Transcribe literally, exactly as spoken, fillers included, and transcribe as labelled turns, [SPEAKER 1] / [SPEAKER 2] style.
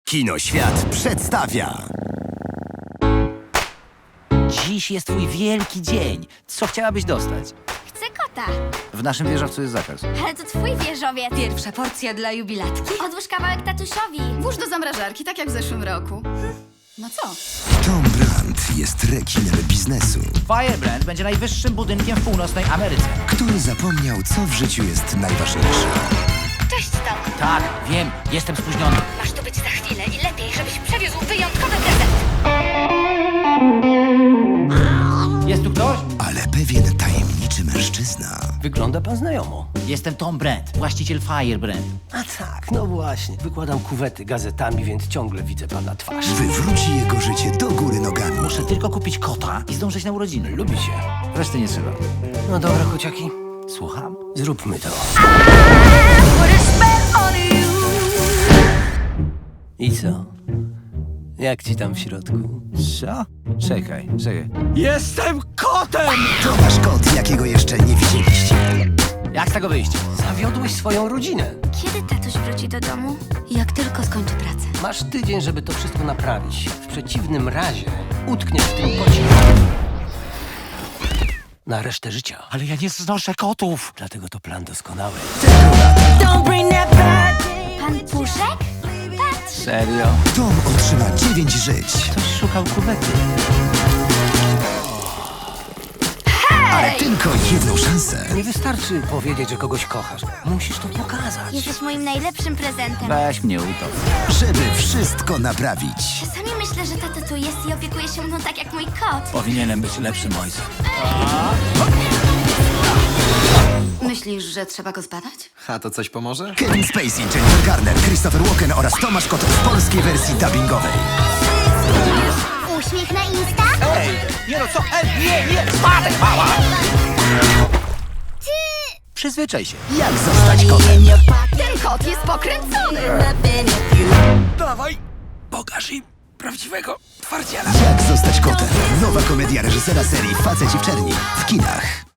[SPEAKER 1] Kinoświat przedstawia.
[SPEAKER 2] Dziś jest twój wielki dzień. Co chciałabyś dostać?
[SPEAKER 3] Chcę kota.
[SPEAKER 2] W naszym wieżowcu jest zakaz.
[SPEAKER 3] Ale to twój wieżowiec.
[SPEAKER 4] Pierwsza porcja dla jubilatki?
[SPEAKER 3] Odłóż kawałek tatusiowi.
[SPEAKER 4] Włóż do zamrażarki, tak jak w zeszłym roku. No co?
[SPEAKER 1] Tom Brandt jest rekinem biznesu,
[SPEAKER 2] Firebrand będzie najwyższym budynkiem w północnej Ameryce.
[SPEAKER 1] który zapomniał, co w życiu jest najważniejsze.
[SPEAKER 4] Cześć, Tom.
[SPEAKER 2] Tak, wiem, jestem spóźniony.
[SPEAKER 4] Masz tu być za chwilę i lepiej, żebyś przewiózł wyjątkowy prezent.
[SPEAKER 2] Jest tu ktoś?
[SPEAKER 1] Ale pewien tajemniczy mężczyzna
[SPEAKER 5] Wygląda pan znajomo.
[SPEAKER 2] Jestem Tom Brandt, właściciel Firebrand.
[SPEAKER 5] A tak, no właśnie. Wykładam kuwety gazetami, więc ciągle widzę pana twarz.
[SPEAKER 1] wywróci jego życie do góry nogami.
[SPEAKER 2] Muszę tylko kupić kota i zdążyć na urodziny.
[SPEAKER 5] Lubi się.
[SPEAKER 2] Reszty nie trzeba.
[SPEAKER 5] No dobra, kociaki.
[SPEAKER 2] Słucham?
[SPEAKER 5] Zróbmy to. I co? Jak ci tam w środku?
[SPEAKER 2] Co? Czekaj, czekaj.
[SPEAKER 5] Jestem kotem!
[SPEAKER 1] To nasz kot, jakiego jeszcze nie widzieliście.
[SPEAKER 2] Jak z tego wyjść?
[SPEAKER 5] Zawiodłeś swoją rodzinę.
[SPEAKER 3] Kiedy tatuś wróci do domu?
[SPEAKER 4] Jak tylko skończę pracę.
[SPEAKER 5] Masz tydzień, żeby to wszystko naprawić. W przeciwnym razie utkniesz w tym kocie. Na resztę życia.
[SPEAKER 2] Ale ja nie znoszę kotów.
[SPEAKER 5] Dlatego to plan doskonały.
[SPEAKER 3] Pan Puszek? Patrz.
[SPEAKER 2] Serio?
[SPEAKER 1] Tom otrzyma dziewięć żyć,
[SPEAKER 2] Ktoś szukał kuwety.
[SPEAKER 1] ale tylko jedną szansę.
[SPEAKER 5] Nie wystarczy powiedzieć, że kogoś kochasz. Musisz to pokazać.
[SPEAKER 3] Jesteś moim najlepszym prezentem.
[SPEAKER 2] Weź mnie utop.
[SPEAKER 1] Żeby wszystko naprawić.
[SPEAKER 3] Czasami myślę, że tata tu jest i opiekuje się mną tak jak mój kot.
[SPEAKER 2] Powinienem być lepszym ojcem.
[SPEAKER 4] Myślisz, że trzeba go zbadać?
[SPEAKER 6] A to coś pomoże?
[SPEAKER 1] Kevin Spacey, Jennifer Garner, Christopher Walken oraz Tomasz Kot w polskiej wersji dubbingowej.
[SPEAKER 3] Uśmiech na Insta?
[SPEAKER 2] Nie no co? Ej, nie, nie! Spadek mała! Przyzwyczaj się.
[SPEAKER 1] Jak zostać kotem?
[SPEAKER 4] Ten kot jest pokręcony!
[SPEAKER 5] Dawaj, pokaż im prawdziwego twardziela.
[SPEAKER 1] Jak zostać kotem? Nowa komedia reżysera serii Faceci w czerni w kinach.